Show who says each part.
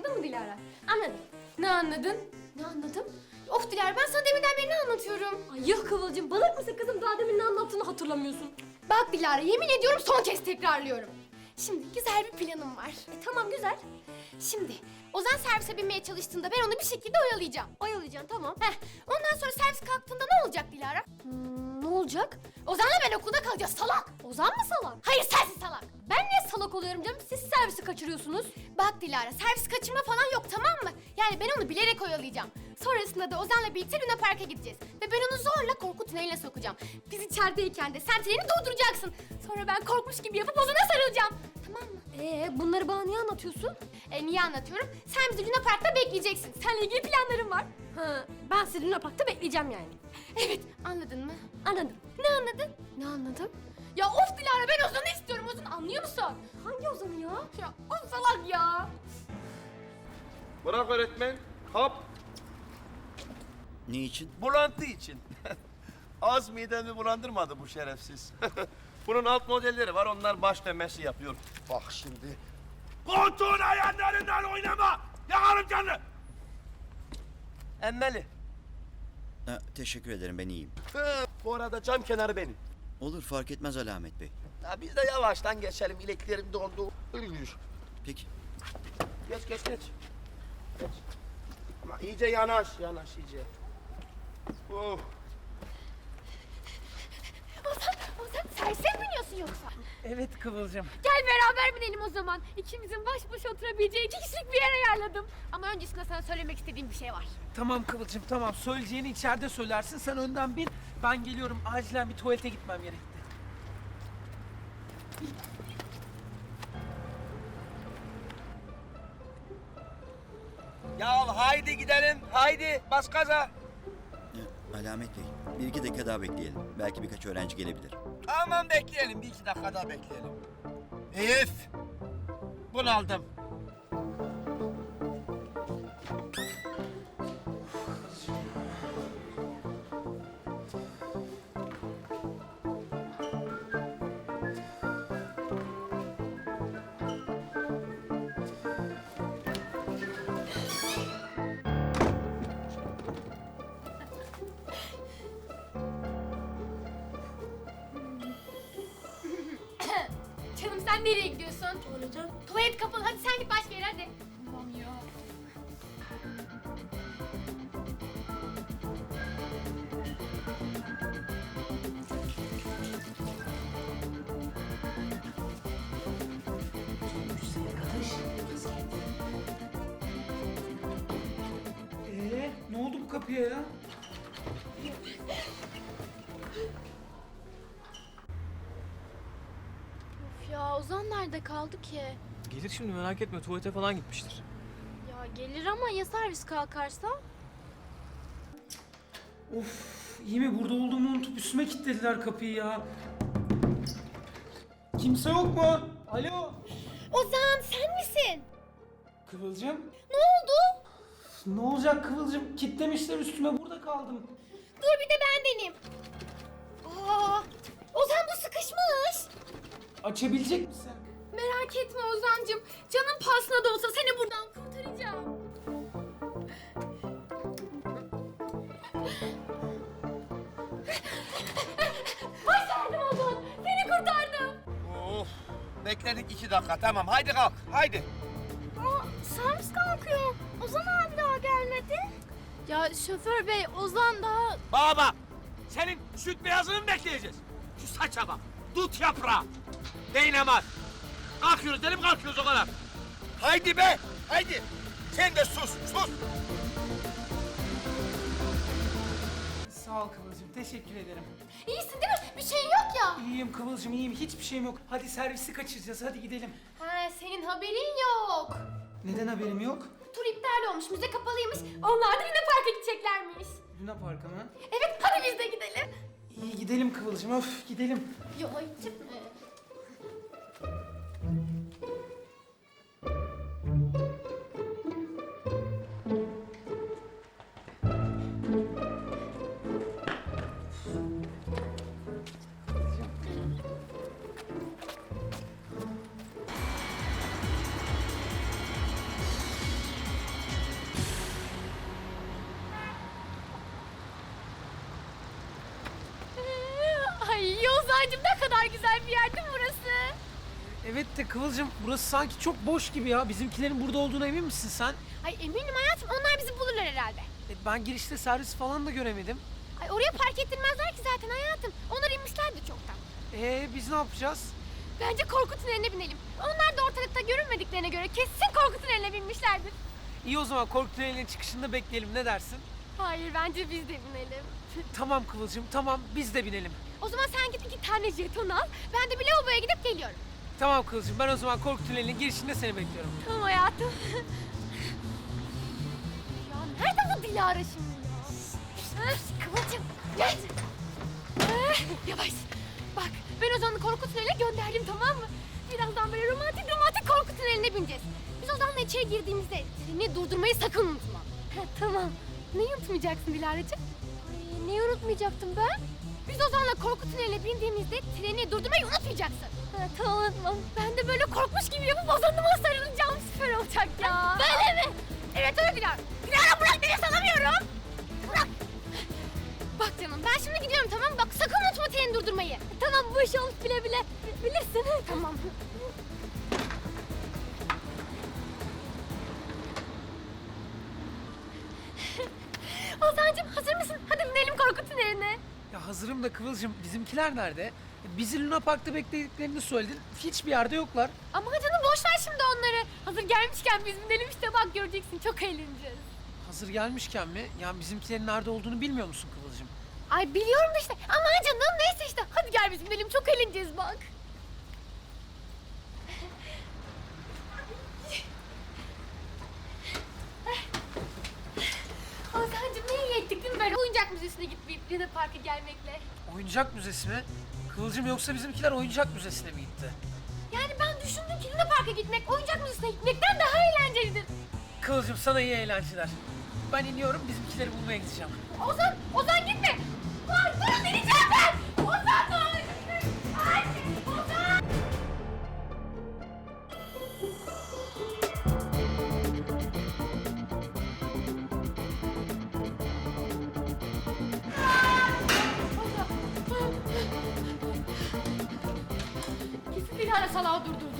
Speaker 1: Anladın mı Dilara?
Speaker 2: Anladım.
Speaker 1: Ne anladın?
Speaker 2: Ne anladım?
Speaker 1: Of Dilara, ben sana deminden beri ne anlatıyorum?
Speaker 2: Ay yok Kıvılcım, balık mısın kızım? Daha demin ne anlattığını hatırlamıyorsun.
Speaker 1: Bak Dilara, yemin ediyorum son kez tekrarlıyorum. Şimdi güzel bir planım var.
Speaker 2: Tamam güzel.
Speaker 1: Şimdi Ozan servise binmeye çalıştığında ben onu bir şekilde oyalayacağım.
Speaker 2: Oyalayacaksın tamam.
Speaker 1: Ondan sonra servis kalktığında ne olacak Dilara?
Speaker 2: Ne olacak?
Speaker 1: Ozan'la ben okulda kalacağız salak.
Speaker 2: Ozan mı salak?
Speaker 1: Hayır, sensin salak.
Speaker 2: Ben niye salak oluyorum canım? Siz servisi kaçırıyorsunuz.
Speaker 1: Bak Dilara, servis kaçırma falan yok, tamam mı? Yani ben onu bilerek oyalayacağım. Sonrasında da Ozan'la birlikte Luna Park'a gideceğiz. Ve ben onu zorla korku tüneline sokacağım. Biz içerideyken de sen treni durduracaksın. Sonra ben korkmuş gibi yapıp Ozan'a sarılacağım. Tamam mı?
Speaker 2: Bunları bana niye anlatıyorsun?
Speaker 1: Niye anlatıyorum? Sen bizi Luna Park'ta bekleyeceksin. Seninle ilgili planlarım var.
Speaker 2: Ha, ben sizi Luna Park'ta bekleyeceğim yani.
Speaker 1: Evet, anladın mı?
Speaker 2: Anladım.
Speaker 1: Ne anladın?
Speaker 2: Ne anladım?
Speaker 1: Ya of Dilara, ben Ozan'ı istiyorum. Ozan, anlıyor musun?
Speaker 2: Hangi Ozan'ı ya?
Speaker 1: Ya of salak ya.
Speaker 3: Bırak öğretmen. Hop.
Speaker 4: Ne için?
Speaker 3: Bulantı için. Az midemi bulandırmadı bu şerefsiz. Bunun alt modelleri var, onlar baş dönmesi yapıyor. Bak şimdi. Koltuğun ayaklarından oynama! Yakarım canını! Emmeli.
Speaker 4: Ha, teşekkür ederim, ben iyiyim.
Speaker 3: Bu arada cam kenarı benim.
Speaker 4: Olur, fark etmez Alamet Bey.
Speaker 3: Ya biz de yavaştan geçelim, ileklerim dondu. Ölmüş.
Speaker 4: Peki.
Speaker 3: Geç. Geç. Ama iyice yanaş iyice. Oh.
Speaker 1: Ozan servise mi biniyorsun yoksa?
Speaker 5: Evet Kıvılcım.
Speaker 1: Gel beraber binelim o zaman. İkimizin baş başa oturabileceği 2 kişilik bir yer ayarladım. Ama öncesinde sana söylemek istediğim bir şey var.
Speaker 5: Tamam Kıvılcım tamam. Söyleyeceğini içeride söylersin. Sen önden bin. Ben geliyorum. Acilen bir tuvalete gitmem gerekti.
Speaker 3: Ya haydi gidelim, haydi bas gaza.
Speaker 4: Alamet Bey, bir iki dakika daha bekleyelim. Belki birkaç öğrenci gelebilir.
Speaker 3: Tamam bekleyelim, bir iki dakika daha bekleyelim. Elif, bunaldım.
Speaker 1: Canım, sen nereye gidiyorsun?
Speaker 2: Tuvalete.
Speaker 1: Tuvalet kapalı, hadi sen git başka yere hadi. Tamam ya.
Speaker 5: Ne oldu bu kapıya ya?
Speaker 6: Of ya, Ozan nerede kaldı ki?
Speaker 7: Gelir şimdi, merak etme, tuvalete falan gitmiştir.
Speaker 6: Ya gelir ama ya servis kalkarsa?
Speaker 5: Of iyi mi? Burada olduğumu unutup üstüme kilitlediler kapıyı ya. Kimse yok mu? Alo?
Speaker 1: Ozan, sen misin?
Speaker 5: Kıvılcım?
Speaker 1: Ne oldu?
Speaker 5: Ne olacak Kıvılcım? Kitlemişler üstüme, burada kaldım.
Speaker 1: Dur bir de ben deneyeyim. Aa, Ozan, bu sıkışmış.
Speaker 5: Açabilecek misin?
Speaker 1: Merak etme Ozancığım. Canın pahasına da olsa seni buradan kurtaracağım. Başardım Ozan. Seni kurtardım.
Speaker 3: Of, bekledik 2 dakika, tamam haydi kalk, haydi.
Speaker 6: Servis kalkıyor. Ozan abi daha gelmedi. Ya şoför bey, Ozan daha...
Speaker 3: Baba, senin süt beyazını mı bekleyeceğiz? Şu saça bak, dut yaprağı. Değnemez. Kalkıyoruz dedim, kalkıyoruz o kadar. Haydi be, haydi. Sen de sus.
Speaker 5: Sağ ol Kıvılcım, teşekkür ederim.
Speaker 1: İyisin değil mi? Bir şeyin yok ya.
Speaker 5: İyiyim Kıvılcım, iyiyim. Hiçbir şeyim yok. Hadi servisi kaçıracağız, hadi gidelim.
Speaker 1: Ha, senin haberin yok.
Speaker 5: Neden haberim yok?
Speaker 1: Tur iptal olmuş, müze kapalıymış. Onlar da Luna Park'a gideceklermiş.
Speaker 5: Luna Park'a mı?
Speaker 1: Evet, hadi biz de gidelim.
Speaker 5: İyi gidelim Kıvılcım, öf gidelim.
Speaker 1: Ya gitme.
Speaker 5: Evet de Kıvılcım burası sanki çok boş gibi ya. Bizimkilerin burada olduğuna emin misin sen?
Speaker 1: Ay eminim hayatım, onlar bizi bulurlar herhalde.
Speaker 5: Ben girişte servis falan da göremedim.
Speaker 1: Ay oraya park ettirmezler ki zaten hayatım. Onlar inmişlerdi çoktan.
Speaker 5: Biz ne yapacağız?
Speaker 1: Bence korku tüneline binelim. Onlar da ortalıkta görünmediklerine göre kesin korku tüneline binmişlerdir.
Speaker 5: İyi o zaman korku tünelinin çıkışında bekleyelim, ne dersin?
Speaker 1: Hayır, bence biz de binelim.
Speaker 5: Tamam Kıvılcım, tamam biz de binelim.
Speaker 1: O zaman sen git 2 tane jeton al. Ben de bir lavaboya gidip geliyorum.
Speaker 5: Tamam Kıvılcım, ben o zaman korku tünelinin girişinde seni bekliyorum.
Speaker 1: Tamam hayatım. Ya nerede bu Dilara şimdi ya? Kıvılcım gel. Yavaş. Bak ben Ozan'ı korku tüneline gönderdim, tamam mı? Birazdan böyle romantik korku tüneline bineceğiz. Biz Ozan'la içeri girdiğimizde treni durdurmayı sakın unutma. Tamam. Neyi unutmayacaksın Dilara'cığım?
Speaker 6: Ay, neyi unutmayacaktım ben?
Speaker 1: Biz Ozan'la korku tüneline bindiğimizde treni durdurmayı unutmayacaksın.
Speaker 6: Tamam unutmam.
Speaker 1: Ben de böyle korkmuş gibi yapıp Ozan'ıma sarılacağım, süper olacak ya.
Speaker 6: Böyle mi?
Speaker 1: Evet öyle Dilara. Dilara bırak, beni sanamıyorum. Bırak. Bak canım ben şimdi gidiyorum, tamam mı? Bak sakın unutma treni durdurmayı.
Speaker 6: Tamam bu iş olmuş bile bile. Bilirsin.
Speaker 1: Tamam. Ozan'cığım hazır mısın? Hadi binelim korku tüneline.
Speaker 5: Ya hazırım da Kıvılcım, bizimkiler nerede? Bizi Luna Park'ta beklediklerini söyledin. Hiçbir yerde yoklar.
Speaker 1: Ama canım boş ver şimdi onları. Hazır gelmişken biz binelim işte, bak göreceksin, çok eğleneceğiz.
Speaker 5: Hazır gelmişken mi? Ya bizimkilerin nerede olduğunu bilmiyor musun Kıvılcım?
Speaker 1: Ay biliyorum da işte. Aman canım neyse işte. Hadi gel biz binelim, çok eğleneceğiz bak. Ozan'cığım ne iyi ettik değil mi böyle oyuncak müzesine gitmeyip Luna Park'a gelmekle?
Speaker 5: Oyuncak müzesi mi? Kıvılcım yoksa bizimkiler oyuncak müzesine mi gitti?
Speaker 1: Yani ben düşündüm ki Luna Park'a gitmek oyuncak müzesine gitmekten daha eğlencelidir.
Speaker 5: Kıvılcım sana iyi eğlenceler. Ben iniyorum, bizimkileri bulmaya gideceğim.
Speaker 1: Ozan gitme. Durun ineceğim ben. Ozan dur. Ay, Ozan. Kesin Dilara salağı durdurdu.